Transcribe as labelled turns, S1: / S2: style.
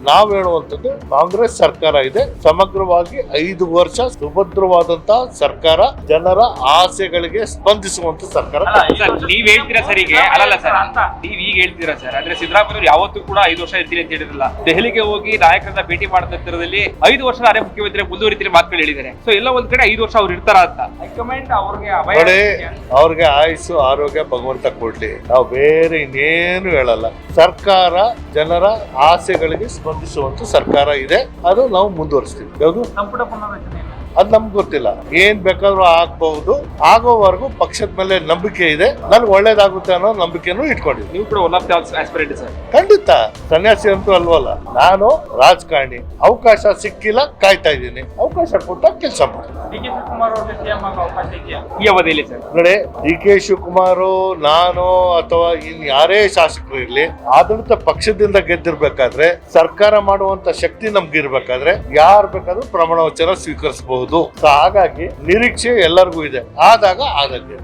S1: ನಾವು ಹೇಳುವಂತದ್ದು ಕಾಂಗ್ರೆಸ್ ಸರ್ಕಾರ ಇದೆ, ಸಮಗ್ರವಾಗಿ 5 ವರ್ಷ ಸುಭದ್ರವಾದಂತಹ ಸರ್ಕಾರ, ಜನರ ಆಸೆಗಳಿಗೆ ಸ್ಪಂದಿಸುವಂತ ಸರ್ಕಾರ.
S2: ನೀವ್ ಹೇಳ್ತೀರಾ ಸರ್, ಈಗ ಅಲ್ಲಲ್ಲ ಸರ್, ನೀವ್ ಈಗ ಹೇಳ್ತೀರಾ ಸರ್, ಅಂದ್ರೆ ಸಿದ್ದರಾಮಯ್ಯ ಯಾವತ್ತೂ ಕೂಡ 5 ವರ್ಷ ಇರ್ತೀನಿ ಅಂತ ಹೇಳಿರಲಿಲ್ಲ. ದೆಹಲಿಗೆ ಹೋಗಿ ನಾಯಕರನ್ನ ಭೇಟಿ ಮಾಡಿದ ನಂತರದಲ್ಲಿ 5 ವರ್ಷ ಅರೆ ಮುಖ್ಯಮಂತ್ರಿ ಮುಂದುವರಿತೀನಿ ಮಾತುಗಳು ಹೇಳಿದ್ದಾರೆ. ಸೊ ಎಲ್ಲ ಒಂದ್ ಕಡೆ 5 ವರ್ಷ ಅವ್ರು ಇರ್ತಾರ ಅಂತ ಹೈಕಮಾಂಡ್
S1: ಅವ್ರಿಗೆ ಆಯುಸ್ಸು ಆರೋಗ್ಯ ಭಗವಂತ ಕೊಡ್ಲಿ. ನಾವು ಬೇರೆ ಇನ್ನೇನು ಹೇಳಲ್ಲ. ಸರ್ಕಾರ ಜನರ ಆಸೆಗಳಿಗೆ ಸ್ಪಂದಿಸುವಂತ ಸರ್ಕಾರ ಇದೆ, ಅದು ನಾವು ಮುಂದುವರಿಸ್ತೀವಿ. ಯಾವುದು
S2: ಸಂಪುಟ ಪುನರ್ರಚನೆ
S1: ಅದ್ ನಮ್ಗೆ ಗೊತ್ತಿಲ್ಲ. ಏನ್ ಬೇಕಾದ್ರೂ ಆಗ್ಬಹುದು. ಆಗೋವರೆಗೂ ಪಕ್ಷದ ಮೇಲೆ ನಂಬಿಕೆ ಇದೆ. ನನ್ಗೆ ಒಳ್ಳೇದಾಗುತ್ತೆ ಅನ್ನೋ ನಂಬಿಕೆನೂ ಇಟ್ಕೊಂಡಿದ್ವಿ.
S2: ನೀವು ಕೂಡ one of the aspirant sir.
S1: ಖಂಡಿತ, ಸನ್ಯಾಸಿ ಅಂತೂ ಅಲ್ವಲ್ಲ. ನಾನು ರಾಜಕಾರಣಿ, ಅವಕಾಶ ಸಿಕ್ಕಿಲ್ಲ, ಕಾಯ್ತಾ ಇದ್ದೀನಿ. ಅವಕಾಶ ಕೊಟ್ಟ ಕೆಲಸ ಮಾಡ್ತೀನಿ.
S2: ಡಿ.ಕೆ. ಶಿವಕುಮಾರ್ ಅವರಿಗೆ ಸಿಎಂ ಆಗೋ ಅವಕಾಶ ಇದೆಯಾ ಈ ಅವಧಿಯಲ್ಲಿ ಸರ್?
S1: ನೋಡಿ, ಡಿ.ಕೆ. ಶಿವಕುಮಾರ್, ನಾನು ಅಥವಾ ಇನ್ ಯಾರೇ ಶಾಸಕರು ಇರ್ಲಿ, ಆಡಳಿತ ಪಕ್ಷದಿಂದ ಗೆದ್ದಿರ್ಬೇಕಾದ್ರೆ, ಸರ್ಕಾರ ಮಾಡುವಂತ ಶಕ್ತಿ ನಮ್ಗೆ ಇರ್ಬೇಕಾದ್ರೆ ಯಾರು ಬೇಕಾದ್ರೂ ಪ್ರಮಾಣ ವಚನ ಸ್ವೀಕರಿಸಬಹುದು. ಹಾಗಾಗಿ ನಿರೀಕ್ಷೆ ಎಲ್ಲರಿಗೂ ಇದೆ. ಆದಾಗ ಆದಂಗೆ